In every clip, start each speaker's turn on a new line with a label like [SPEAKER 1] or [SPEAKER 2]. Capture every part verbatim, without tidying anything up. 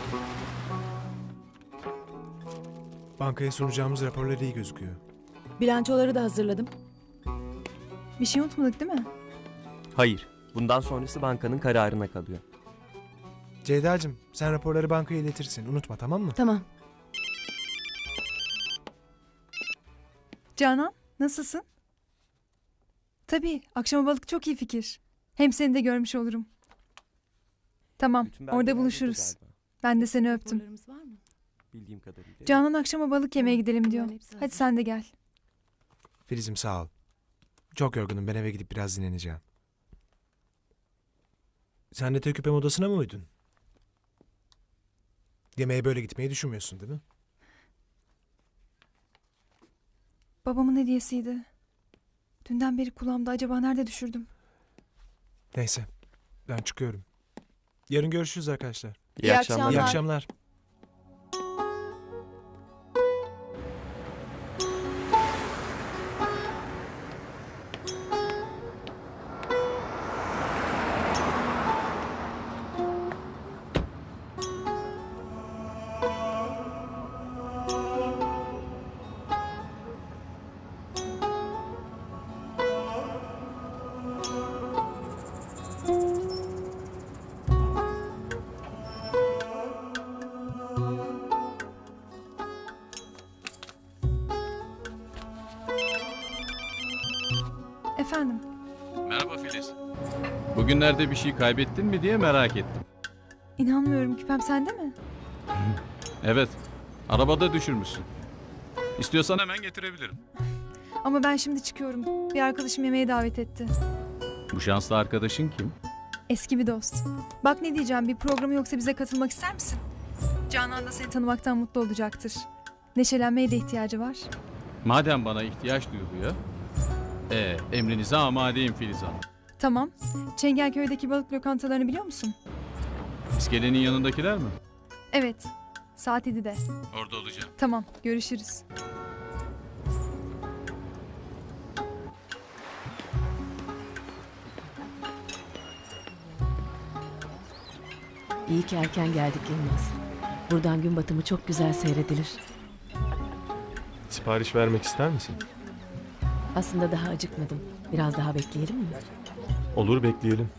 [SPEAKER 1] Bankaya sunacağımız raporlar iyi gözüküyor.
[SPEAKER 2] Bilançoları da hazırladım.
[SPEAKER 3] Bir şey unutmadık değil mi?
[SPEAKER 4] Hayır. Bundan sonrası bankanın kararına kalıyor.
[SPEAKER 1] Ceyda'cığım sen raporları bankaya iletirsin. Unutma, tamam mı?
[SPEAKER 2] Tamam.
[SPEAKER 3] Canan, nasılsın? Tabii, akşama balık çok iyi fikir. Hem seni de görmüş olurum. Tamam,
[SPEAKER 4] Bütün
[SPEAKER 3] orada
[SPEAKER 4] belgeler
[SPEAKER 3] buluşuruz.
[SPEAKER 4] burada galiba.
[SPEAKER 3] Ben de seni öptüm.
[SPEAKER 2] Raporlarımız var mı?
[SPEAKER 4] Bildiğim kadarıyla.
[SPEAKER 3] Canan akşama balık yemeye gidelim diyor.
[SPEAKER 2] Bunların hepsi
[SPEAKER 3] Hadi
[SPEAKER 2] hazır.
[SPEAKER 3] sen de gel.
[SPEAKER 1] Filiz'im sağ ol. Çok yorgunum, ben eve gidip biraz dinleneceğim. Sen de Teküpem odasına mı uydun? Yemeğe böyle gitmeyi düşünmüyorsun değil mi?
[SPEAKER 3] Babamın hediyesiydi. Dünden beri kulağımda, acaba nerede düşürdüm?
[SPEAKER 1] Neyse, ben çıkıyorum. Yarın görüşürüz arkadaşlar.
[SPEAKER 4] İyi,
[SPEAKER 2] İyi
[SPEAKER 4] akşamlar.
[SPEAKER 1] İyi
[SPEAKER 2] akşamlar.
[SPEAKER 1] akşamlar.
[SPEAKER 3] Efendim,
[SPEAKER 5] Merhaba Filiz. Bugünlerde bir şey kaybettin mi diye merak ettim.
[SPEAKER 3] inanmıyorum, küpem sende mi?
[SPEAKER 5] Evet, arabada düşürmüşsün. İstiyorsan hemen getirebilirim.
[SPEAKER 3] Ama ben şimdi çıkıyorum. Bir arkadaşım yemeğe davet etti.
[SPEAKER 5] Bu şanslı arkadaşın kim?
[SPEAKER 3] Eski bir dost. Bak ne diyeceğim, bir programı yoksa bize katılmak ister misin? Canan da seni tanımaktan mutlu olacaktır. Neşelenmeye de ihtiyacı var.
[SPEAKER 5] Madem bana ihtiyaç duyuluyor, ee, emrinize amadeyim Filiz Hanım.
[SPEAKER 3] Tamam. Çengelköy'deki balık lokantalarını biliyor musun?
[SPEAKER 5] İskelenin yanındakiler mi?
[SPEAKER 3] Evet. Saat yedide.
[SPEAKER 5] Orada olacağım.
[SPEAKER 3] Tamam, görüşürüz.
[SPEAKER 2] İyi ki erken geldik Yılmaz. Buradan gün batımı çok güzel seyredilir.
[SPEAKER 6] Sipariş vermek ister misin?
[SPEAKER 2] Aslında daha acıkmadım. Biraz daha bekleyelim mi?
[SPEAKER 6] Olur, bekleyelim.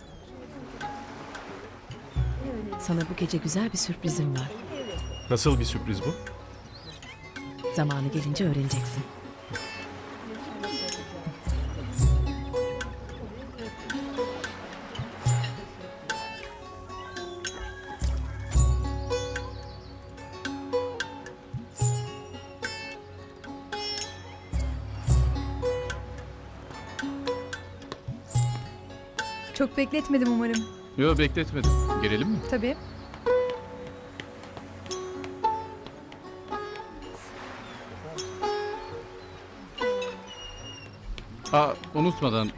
[SPEAKER 2] Sana bu gece güzel bir sürprizim var.
[SPEAKER 6] Nasıl bir sürpriz bu?
[SPEAKER 2] Zamanı gelince öğreneceksin.
[SPEAKER 3] Çok bekletmedim umarım.
[SPEAKER 5] Yo, bekletmedim. Girelim mi?
[SPEAKER 3] Tabii.
[SPEAKER 5] Aa, unutmadan...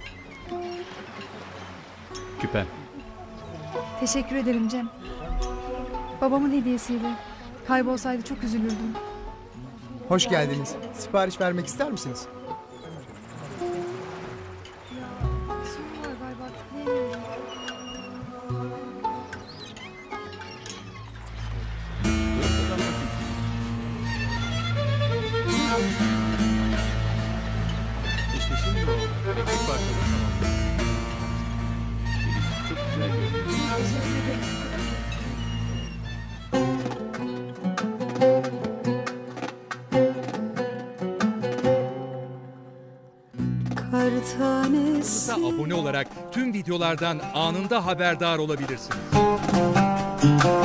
[SPEAKER 5] Küpen.
[SPEAKER 3] Teşekkür ederim Cem. Babamın hediyesiydi. Kaybolsaydı çok üzülürdüm.
[SPEAKER 7] Hoş geldiniz. Sipariş vermek ister misiniz?
[SPEAKER 3] Sorun var galiba, tıklayamıyorum.
[SPEAKER 5] İşte şimdi o. Eksik parçalar tamam. Filiz çok güzel görünüyor.
[SPEAKER 8] Kanalımıza abone olarak tüm videolardan anında haberdar olabilirsiniz.